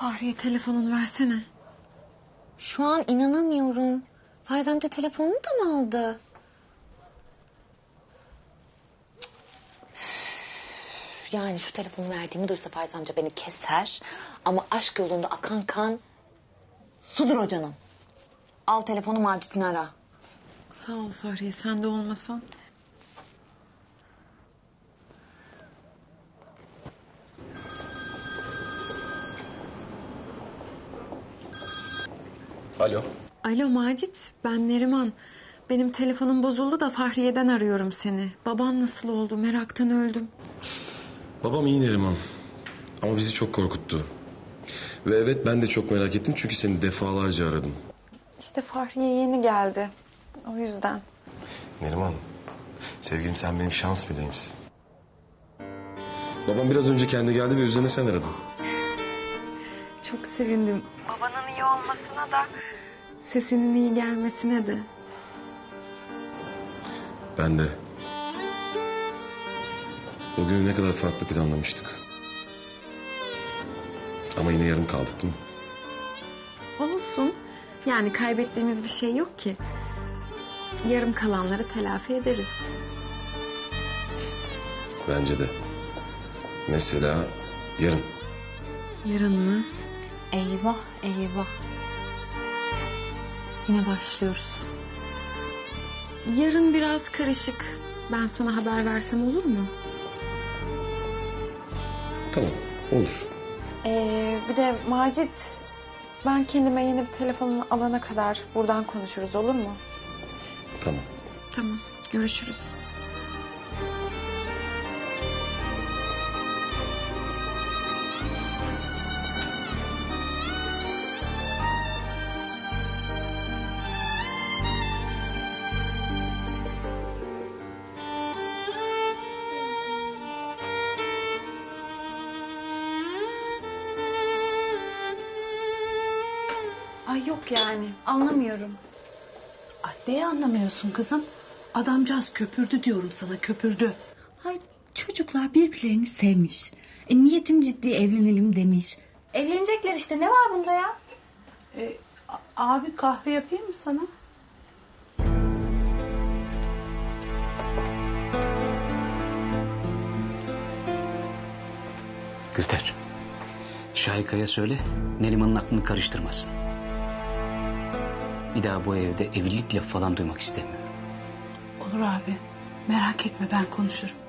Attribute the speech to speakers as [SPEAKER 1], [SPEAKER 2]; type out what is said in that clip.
[SPEAKER 1] Fahriye telefonunu versene.
[SPEAKER 2] Şu an inanamıyorum. Faiz amca telefonunu da mı aldı? Yani şu telefonu verdiğimi duysa Faiz amca beni keser. Ama aşk yolunda akan kan sudur o canım. Al telefonu, Macit'ini ara.
[SPEAKER 1] Sağ ol Fahriye, sen de olmasan.
[SPEAKER 3] Alo.
[SPEAKER 1] Alo Macit, ben Neriman. Benim telefonum bozuldu da Fahriye'den arıyorum seni. Baban nasıl oldu? Meraktan öldüm.
[SPEAKER 3] Babam iyi Neriman. Ama bizi çok korkuttu. Ve evet, ben de çok merak ettim çünkü seni defalarca aradım.
[SPEAKER 1] İşte Fahriye yeni geldi. O yüzden.
[SPEAKER 3] Neriman, sevgilim, sen benim şans meleğimsin. Babam biraz önce kendi geldi ve üzerine sen aradın.
[SPEAKER 1] Çok sevindim. Babanın iyi olmasına da, sesinin iyi gelmesine de.
[SPEAKER 3] Ben de. O günü ne kadar farklı planlamıştık. Ama yine yarım kaldık değil mi?
[SPEAKER 1] Olsun. Yani kaybettiğimiz bir şey yok ki. Yarım kalanları telafi ederiz.
[SPEAKER 3] Bence de. Mesela yarın.
[SPEAKER 1] Yarın mı?
[SPEAKER 2] Eyvah eyvah. Yine başlıyoruz.
[SPEAKER 1] Yarın biraz karışık. Ben sana haber versem olur mu?
[SPEAKER 3] Tamam, olur.
[SPEAKER 1] Bir de Macit, ben kendime yeni bir telefon alana kadar buradan konuşuruz, olur mu?
[SPEAKER 3] Tamam.
[SPEAKER 1] Tamam, görüşürüz.
[SPEAKER 2] Ay yok yani, anlamıyorum.
[SPEAKER 4] Ay neyi anlamıyorsun kızım? Adamcağız köpürdü diyorum sana, köpürdü.
[SPEAKER 5] Hay çocuklar birbirlerini sevmiş. Niyetim ciddi, evlenelim demiş.
[SPEAKER 2] Evlenecekler işte, ne var bunda ya?
[SPEAKER 4] Abi kahve yapayım mı sana?
[SPEAKER 6] Gülter, Şahika'ya söyle, Neriman'ın aklını karıştırmasın. Bir daha bu evde evlilik lafı falan duymak istemiyorum.
[SPEAKER 4] Olur abi, merak etme, ben konuşurum.